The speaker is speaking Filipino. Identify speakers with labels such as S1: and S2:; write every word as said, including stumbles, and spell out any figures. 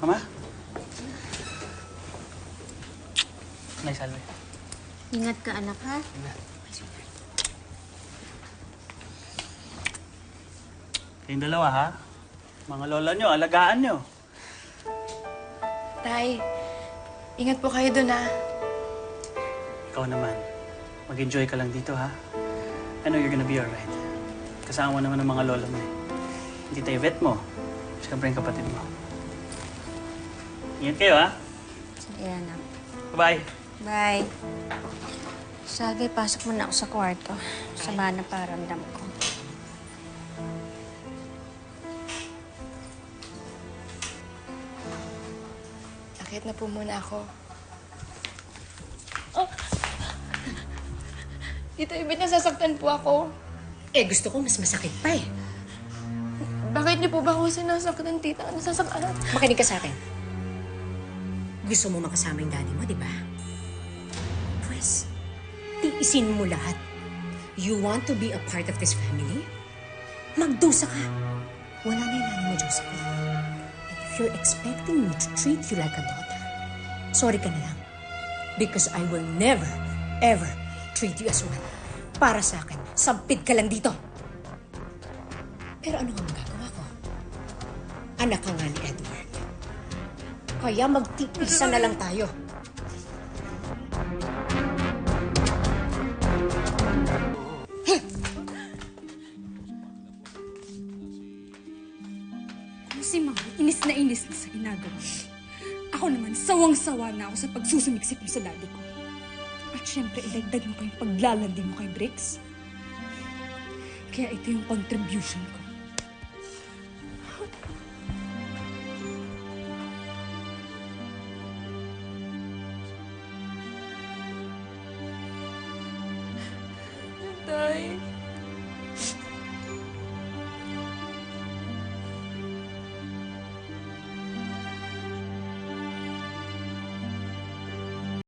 S1: Mama? Nay, salve.
S2: Ingat ka, anak, ha?
S1: Ingat. Kayong dalawa, ha? Mga lola nyo, alagaan nyo.
S3: Tay, ingat po kayo dun, ha?
S1: Ikaw naman, mag-enjoy ka lang dito, ha? I know you're gonna be alright. Kasama mo naman ng mga lola mo, eh. Hindi tayo vet mo. Siyempre yung kapatid mo. Ingat kayo, ha?
S2: Sige, anak.
S1: Bye-bye.
S2: Bye. Sagay, pasok mo na ako sa kwarto. Sama na paramdam ko.
S3: Akit na po muna ako. Oh! Tito, ibig nasasaktan po ako.
S4: Eh, gusto ko mas masakit pa eh.
S3: Bakit niyo po ba ako sinasaktan, tita? Nasasaktan?
S4: Makinig ka sa akin. Gusto mo makasama yung daddy mo, di ba? Pwes, tiisin mo lahat. You want to be a part of this family? Magdusa ka. Wala na yung nanay mo, Josephine. And if you're expecting me to treat you like a daughter, sorry ka na lang. Because I will never, ever treat you as one. Para sa akin, sampid ka lang dito. Pero ano nga magagawa ko? Anak ka nga ni Edward. Kaya magtiisa na lang tayo.
S5: Si Mama, inis na inis na sa ginagawa. Ako naman, sawang-sawa na ako sa pagsusumiksik mo sa daddy ko. At syempre, idagdag mo pa yung paglalandi mo kay Briggs. Kaya ito yung contribution ko.